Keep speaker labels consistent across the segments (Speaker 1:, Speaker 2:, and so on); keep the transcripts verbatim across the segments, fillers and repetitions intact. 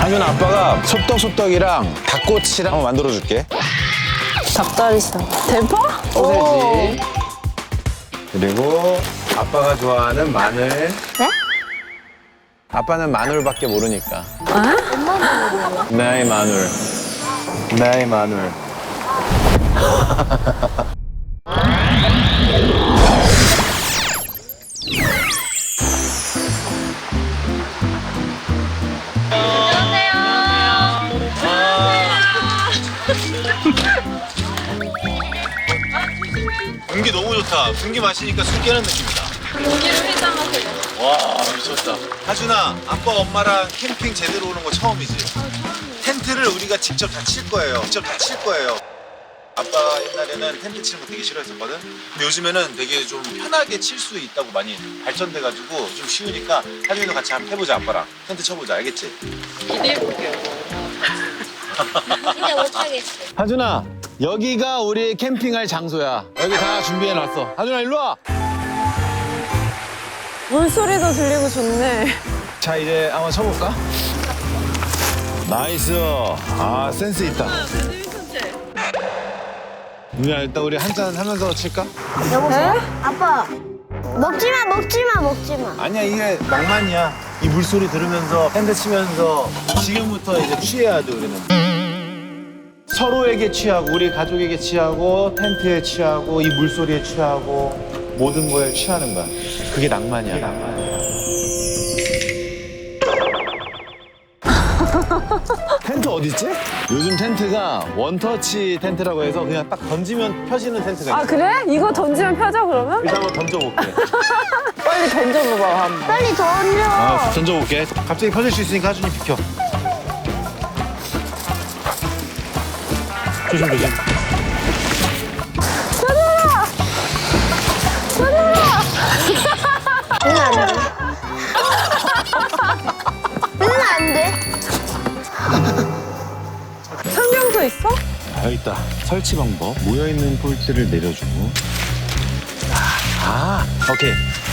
Speaker 1: 하준 아빠가 소떡소떡이랑 닭꼬치랑 한번 만들어줄게.
Speaker 2: 닭다리살. 대파?
Speaker 1: 소세지. 그리고 아빠가 좋아하는 마늘.
Speaker 2: 네?
Speaker 1: 아빠는 마늘밖에 모르니까.
Speaker 2: 아?
Speaker 1: 나의 마늘. 나의 마늘.
Speaker 3: 공기 너무 좋다. 공기 마시니까 술 깨는 느낌이다.
Speaker 4: 공기를 회장하세요.
Speaker 3: 와 미쳤다. 하준아, 아빠 엄마랑 캠핑 제대로 오는 거 처음이지? 텐트를 우리가 직접 다 칠 거예요. 직접 다 칠 거예요. 아빠 옛날에는 텐트 치는 거 되게 싫어했었거든? 근데 요즘에는 되게 좀 편하게 칠 수 있다고 많이 발전돼가지고 좀 쉬우니까 하준이도 같이 한번 해보자, 아빠랑. 텐트 쳐보자, 알겠지?
Speaker 4: 기대해볼게요.
Speaker 5: 근데 못하겠어.
Speaker 1: 하준아, 여기가 우리 캠핑할 장소야. 여기 다 준비해놨어. 하준아, 일로 와.
Speaker 2: 물소리도 들리고 좋네.
Speaker 1: 자, 이제 한번 쳐볼까? 나이스. 아, 센스 있다. 누나, 일단 우리 한잔 하면서 칠까?
Speaker 2: 네?
Speaker 5: 아빠, 먹지 마, 먹지 마, 먹지 마.
Speaker 3: 아니야, 이게 낭만이야. 이 물소리 들으면서 텐트 치면서 지금부터 이제 취해야 돼, 우리는. 서로에게 취하고, 우리 가족에게 취하고, 텐트에 취하고, 이 물소리에 취하고, 모든 거에 취하는 거야. 그게 낭만이야. 그게 낭만이야.
Speaker 1: 텐트 어딨지? 요즘 텐트가 원터치 텐트라고 해서 그냥 딱 던지면 펴지는 텐트가 있어.
Speaker 2: 아, 그래? 이거 던지면 펴져, 그러면?
Speaker 1: 일단 한번 던져볼게.
Speaker 2: 빨리 던져봐봐, 한번.
Speaker 5: 빨리 던져.
Speaker 1: 아, 던져볼게.
Speaker 3: 갑자기 펴질 수 있으니까 하준이 비켜. 조심, 조심.
Speaker 5: 응, 안 돼. 응, 안 돼.
Speaker 2: 설명서 있어?
Speaker 1: 아, 여기 있다. 설치 방법. 모여있는 폴트를 내려주고. 아, 오케이.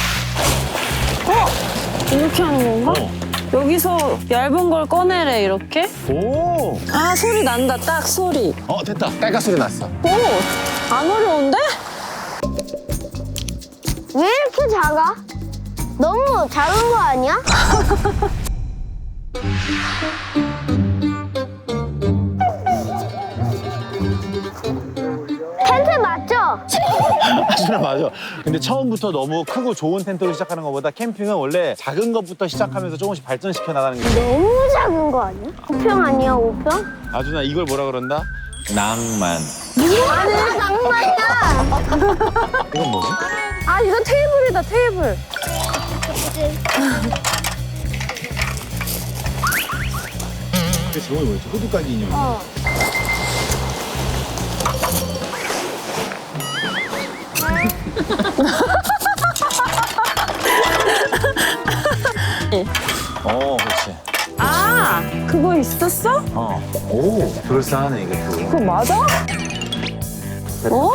Speaker 2: 이렇게 하는 건가?
Speaker 1: 어.
Speaker 2: 여기서 얇은 걸 꺼내래, 이렇게?
Speaker 1: 오!
Speaker 2: 아, 소리 난다, 딱 소리.
Speaker 1: 어, 됐다. 깔깔 소리 났어.
Speaker 2: 오, 안 어려운데?
Speaker 5: 왜 이렇게 작아? 너무 작은 거 아니야? 텐트 맞죠?
Speaker 1: 하준아, 맞아. 근데 처음부터 너무 크고 좋은 텐트로 시작하는 것보다 캠핑은 원래 작은 것부터 시작하면서 조금씩 발전시켜 나가는 게.
Speaker 5: 너무 작은 거 아니야? 오 평 아니야, 오 평?
Speaker 1: 하준아, 이걸 뭐라 그런다? 낭만.
Speaker 5: 뭐가 낭만이야?
Speaker 1: 이건 뭐지?
Speaker 2: 아, 이거 테이블이다, 테이블.
Speaker 3: 그 제목이 뭐였지? 호두까기 인형.
Speaker 5: 어.
Speaker 1: 어, 그렇지.
Speaker 2: 아, 그거 있었어?
Speaker 1: 어. 오, 그럴싸하네, 이것도.
Speaker 2: 그거 맞아? 어?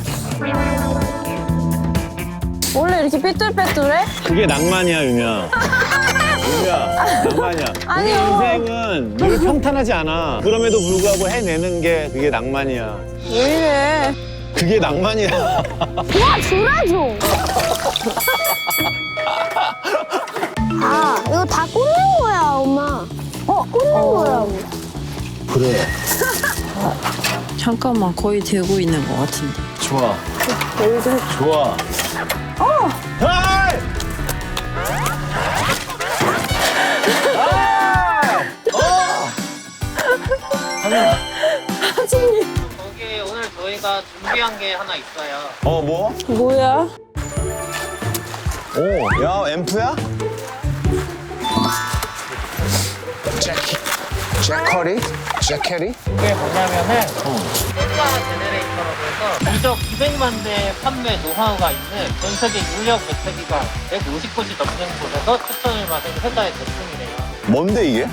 Speaker 2: 원래 이렇게 삐뚤빼뚤해?
Speaker 1: 그게 낭만이야, 유미야. 유미야, 낭만이야.
Speaker 2: 아니요.
Speaker 1: 우리 인생은 늘 평탄하지 않아. 그럼에도 불구하고 해내는 게 그게 낭만이야.
Speaker 2: 왜 이래?
Speaker 1: 그게 낭만이야.
Speaker 5: 와, 주라 좀. 아, 이거 다 꽂는 거야, 엄마. 어, 꽂는 거라고.
Speaker 1: 그래.
Speaker 2: 잠깐만, 거의 되고 있는 것 같은데.
Speaker 1: 좋아.
Speaker 2: 여기도 해.
Speaker 1: 좋아. 어! 헤이!
Speaker 2: 하진이.
Speaker 6: 거기 오늘 저희가 준비한 게 하나 있어요.
Speaker 1: 어, 뭐?
Speaker 2: 뭐야?
Speaker 1: 오, 야, 앰프야? 재키, 재커리? 재캐리?
Speaker 6: 그게 뭐냐면은 셀바 제네레이터라고 해서 누적 이백만 대 판매 노하우가 있는 전 세계 유력 매체기관 백오십 곳이 넘는 곳에서 추천을 받은 회사의 제품이래요.
Speaker 1: 뭔데, 이게?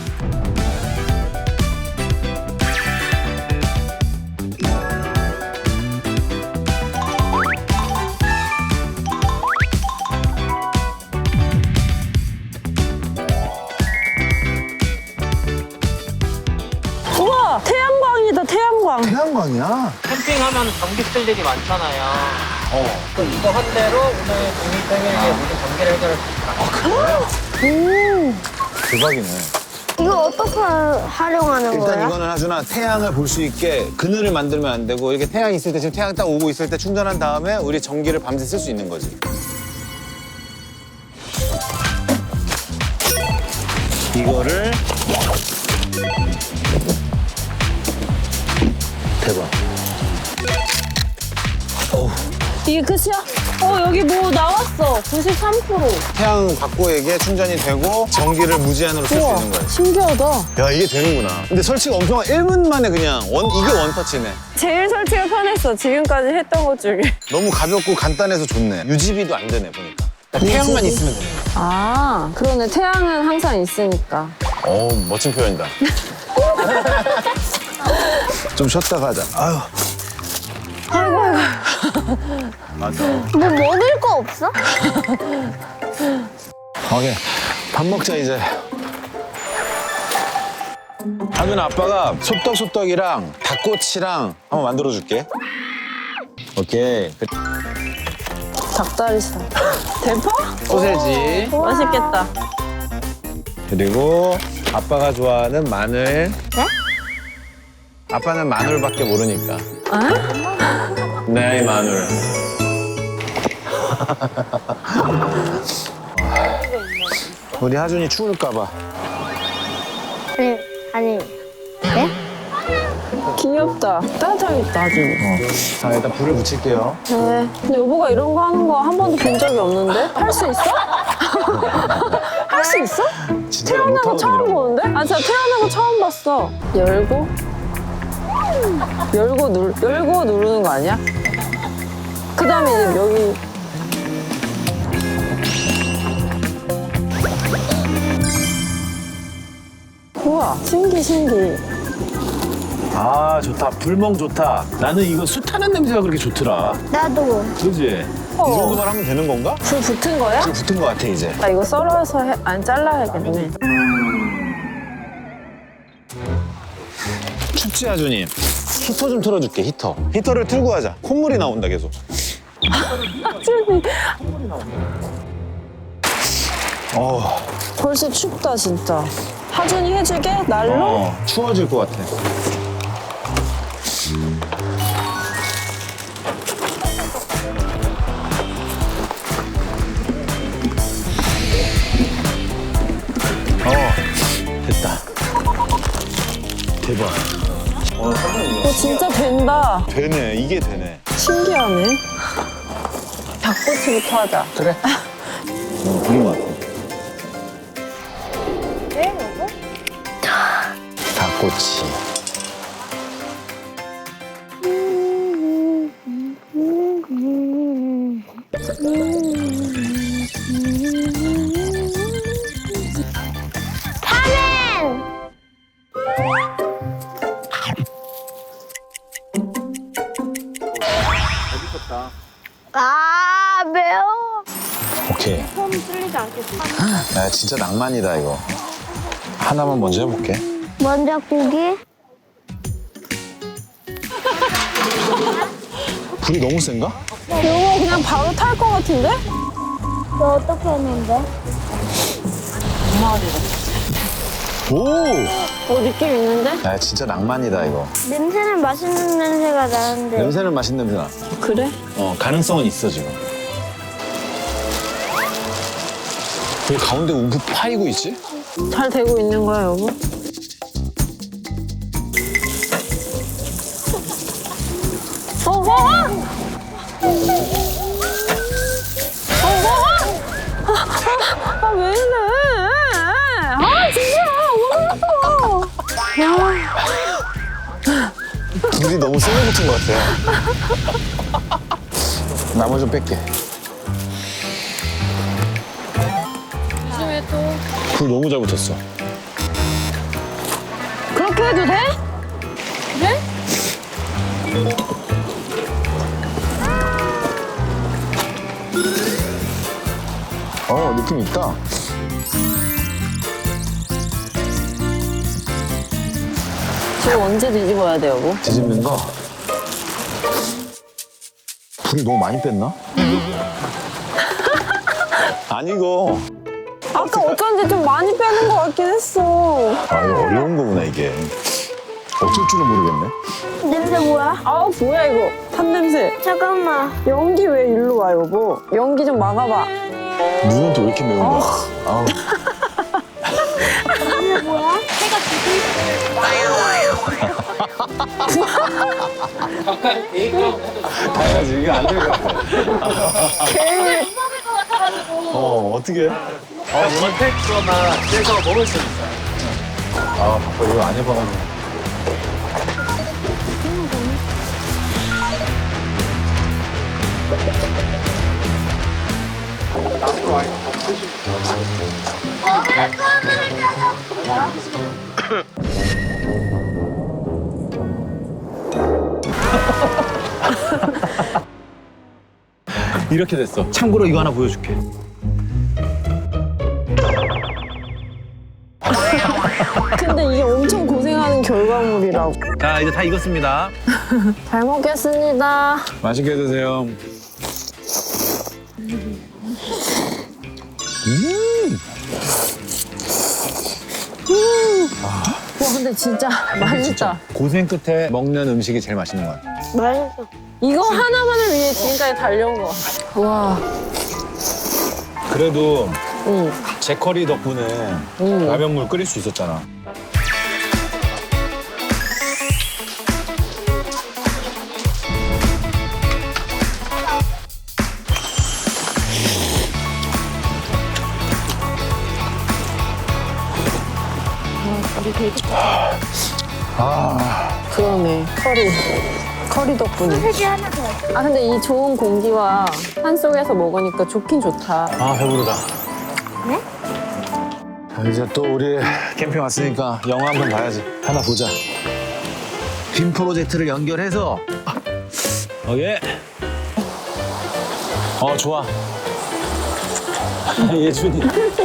Speaker 2: 태양광.
Speaker 1: 태양광이야.
Speaker 6: 캠핑하면 전기 쓸 일이 많잖아요.
Speaker 1: 어.
Speaker 6: 또 이거 한 대로 오늘 독립생에게 모든 전기를 해결할 수 있다.
Speaker 1: 대박이네.
Speaker 5: 이거 어떻게 활용하는
Speaker 1: 일단
Speaker 5: 거야?
Speaker 1: 이거는 하준아 태양을 볼 수 있게 그늘을 만들면 안 되고 이렇게 태양 있을 때 지금 태양 딱 오고 있을 때 충전한 다음에 우리 전기를 밤새 쓸 수 있는 거지. 이거를 대박.
Speaker 2: 이게 끝이야? 어, 여기 뭐 나왔어. 구십삼 퍼센트.
Speaker 1: 태양 받고에게 충전이 되고 전기를 무제한으로 쓸 수
Speaker 2: 우와,
Speaker 1: 있는 거야.
Speaker 2: 신기하다.
Speaker 1: 야 이게 되는구나. 근데 설치가 엄청 일 분 만에 그냥 원 이게 원터치네.
Speaker 2: 제일 설치가 편했어. 지금까지 했던 것 중에.
Speaker 1: 너무 가볍고 간단해서 좋네. 유지비도 안 되네 보니까. 태양만 있으면 되네.
Speaker 2: 아, 그러네. 태양은 항상 있으니까.
Speaker 1: 어 멋진 표현이다. 좀 쉬었다 가자. 아유.
Speaker 2: 아이고, 아이고.
Speaker 1: 맞아.
Speaker 5: 뭐 먹을 거 없어?
Speaker 1: 오케이. 밥 먹자 이제. 하준 아빠가 소떡소떡이랑 닭꼬치랑 한번 만들어줄게. 오케이.
Speaker 2: 닭다리살. 대파?
Speaker 1: 소세지.
Speaker 2: 맛있겠다.
Speaker 1: 그리고 아빠가 좋아하는 마늘.
Speaker 5: 네?
Speaker 1: 아빠는 마늘밖에 모르니까.
Speaker 2: 아?
Speaker 1: 네, 마늘. 우리 하준이 추울까봐.
Speaker 5: 아니, 아니. 네?
Speaker 2: 귀엽다. 따뜻하겠다, 아주.
Speaker 1: 자, 일단 불을 붙일게요.
Speaker 2: 네. 근데 여보가 이런 거 하는 거 한 번도 본 적이 없는데? 할 수 있어? 할 수 있어?
Speaker 1: 진짜
Speaker 2: 태어나고
Speaker 1: 못하거든,
Speaker 2: 처음
Speaker 1: 이런 거.
Speaker 2: 보는데? 아, 진짜 태어나고 처음 봤어. 열고? 열고 누 열고 누르는 거 아니야? 그 다음에 이제 여기. 우와, 신기, 신기.
Speaker 1: 아, 좋다. 불멍 좋다. 나는 이거 숯 타는 냄새가 그렇게 좋더라.
Speaker 5: 나도.
Speaker 1: 그지?
Speaker 2: 어.
Speaker 1: 이 정도만 하면 되는 건가?
Speaker 2: 불 붙은 거야?
Speaker 1: 불 붙은 것 같아, 이제.
Speaker 2: 나 이거 썰어서 해, 안 잘라야겠네.
Speaker 1: 춥지, 하준이? 히터 좀 틀어줄게, 히터. 히터를 틀고 하자. 콧물이 나온다, 계속.
Speaker 2: 하준이
Speaker 1: 어,
Speaker 2: 벌써 춥다 진짜. 하준이 해주게? 날로?
Speaker 1: 어, 추워질 것 같아. 어, 됐다. 대박. 어,
Speaker 2: 어, 진짜 된다.
Speaker 1: 되네. 이게 되네.
Speaker 2: 신기하네. 닭꼬치부터 하자.
Speaker 1: 그래. 어, 되게 많아.
Speaker 5: 네, 여보?
Speaker 1: 닭꼬치.
Speaker 5: 파맨! 아, 매워.
Speaker 1: 오케이.
Speaker 5: 폼 뚫리지 않겠지?
Speaker 1: 야, 진짜 낭만이다, 이거. 하나만 먼저 해볼게.
Speaker 5: 먼저 고기.
Speaker 1: 불이 너무 센가?
Speaker 2: 이거 그냥 바로 탈 것 같은데?
Speaker 5: 너 어떻게 했는데?
Speaker 1: 오!
Speaker 2: 어, 느낌 있는데?
Speaker 1: 야, 진짜 낭만이다, 이거.
Speaker 5: 냄새는 맛있는 냄새가 나는데.
Speaker 1: 냄새는 맛있는 냄새 나.
Speaker 2: 그래?
Speaker 1: 어, 가능성은 있어, 지금. 왜 가운데 우프 파이고 있지?
Speaker 2: 잘 되고 있는 거야, 여보? 어, 어, 어! 어, 어, 어! 아, 아, 왜 이래? 아, 진짜! 너무 예뻐!
Speaker 1: 불이 너무 세게 붙은 것 같아. 나머지 좀 뺄게.
Speaker 4: 요즘에 또
Speaker 1: 불 너무 잘 붙었어.
Speaker 2: 그렇게 해도 돼?
Speaker 4: 그래?
Speaker 1: 어, 느낌 있다. 어,
Speaker 2: 지금 언제 뒤집어야 돼요, 뭐?
Speaker 1: 뒤집는 거. 불이 너무 많이 뺐나? 아니고.
Speaker 2: 아까 어쩐지 좀 많이 빼는 것 같긴 했어.
Speaker 1: 아, 이거 어려운 거구나, 이게. 어쩔 줄은 모르겠네.
Speaker 5: 냄새 뭐야?
Speaker 2: 아, 뭐야, 이거. 탄 냄새.
Speaker 5: 잠깐만.
Speaker 2: 연기 왜 일로 와, 여보? 연기 좀 막아봐.
Speaker 1: 눈은 또 왜 이렇게 매운 거야? 아우.
Speaker 5: 냄새 뭐야?
Speaker 6: 잠깐 대기업
Speaker 1: 당연하지, 이게 안 될 것 같아. 어, 어떻게?
Speaker 6: 원택거나 그래서 먹을 수 있어요.
Speaker 1: 아, 바빠, 이거 안 해봐가지고. 이렇게 됐어. 참고로 이거 하나 보여줄게.
Speaker 2: 근데 이게 엄청 고생하는 결과물이라고.
Speaker 1: 자, 이제 다 익었습니다.
Speaker 2: 잘 먹겠습니다.
Speaker 1: 맛있게 드세요.
Speaker 2: 와, 근데 진짜 맛있다.
Speaker 1: 고생 끝에 먹는 음식이 제일 맛있는 것 같아.
Speaker 5: 맛있어.
Speaker 2: 이거 하나만을 위해 지금까지 달려온 거. 와,
Speaker 1: 그래도
Speaker 2: 응.
Speaker 1: 제커리 덕분에
Speaker 2: 응.
Speaker 1: 라면물 끓일 수 있었잖아.
Speaker 2: 그러네. 커리. 커리 덕분에.
Speaker 5: 소세지 하나 더.
Speaker 2: 아, 근데 이 좋은 공기와 산 속에서 먹으니까 좋긴 좋다.
Speaker 1: 아, 배부르다.
Speaker 5: 네?
Speaker 1: 자, 이제 또 우리 캠핑 왔으니까 영화 한 편 봐야지. 하나 보자. 빔 프로젝트를 연결해서. 어, 예. 어, 좋아. 예준이.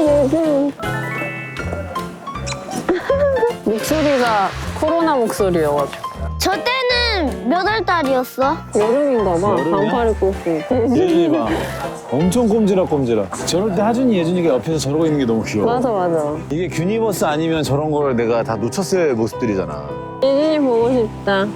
Speaker 2: 목소리가 코로나 목소리여가지고.
Speaker 5: 저 때는 몇 월 달이었어?
Speaker 2: 여름인가 봐.
Speaker 1: 여름이야?
Speaker 2: 반팔 입고 있고.
Speaker 1: 예준이 봐. 엄청 꼼지락 꼼지락. 저럴 때 하준이, 예준이가 옆에서 저러고 있는 게 너무 귀여워.
Speaker 2: 맞아, 맞아.
Speaker 1: 이게 균이버스 아니면 저런 걸 내가 다 놓쳤을 모습들이잖아.
Speaker 2: 예진이 보고 싶다.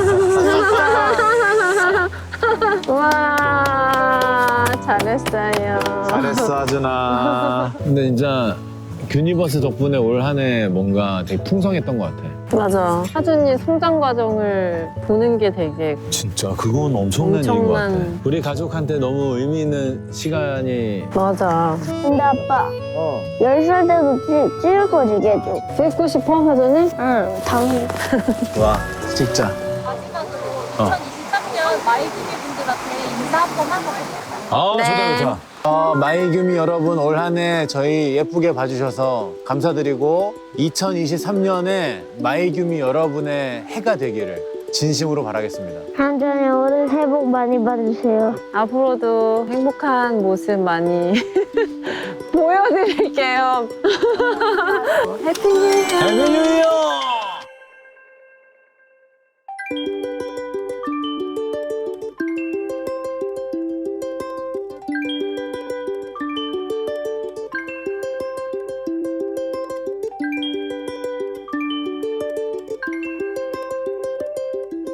Speaker 2: 와, 잘했어요.
Speaker 1: 잘했어, 하준아. 근데 진짜 균이버스 덕분에 올 한 해 뭔가 되게 풍성했던 것 같아.
Speaker 2: 맞아. 하준이 성장 과정을 보는 게 되게
Speaker 1: 진짜 그건 엄청난 일인 것 같아.
Speaker 2: 엄청난-
Speaker 1: 우리 가족한테 너무 의미 있는 시간이.
Speaker 2: 맞아.
Speaker 5: 근데 아빠,
Speaker 1: 어.
Speaker 5: 열 살 때도 찍, 찍을 거 주게 해줘.
Speaker 2: 찍고 싶어, 하준이?
Speaker 5: 응, 당연히.
Speaker 1: 와, 찍자.
Speaker 4: 마지막으로
Speaker 1: 어.
Speaker 4: 이천이십삼 년 마이기니 분들한테 인사 한 번 하고
Speaker 1: 아,
Speaker 2: 네.
Speaker 1: 좋다, 좋다. 어, 마이규미 여러분 올 한 해 저희 예쁘게 봐주셔서 감사드리고 이천이십삼 년에 마이규미 여러분의 해가 되기를 진심으로 바라겠습니다.
Speaker 5: 한전에 올해 새해 복 많이 받으세요.
Speaker 2: 앞으로도 행복한 모습 많이 보여드릴게요. 해피 뉴 이어!
Speaker 1: 해피 뉴 이어!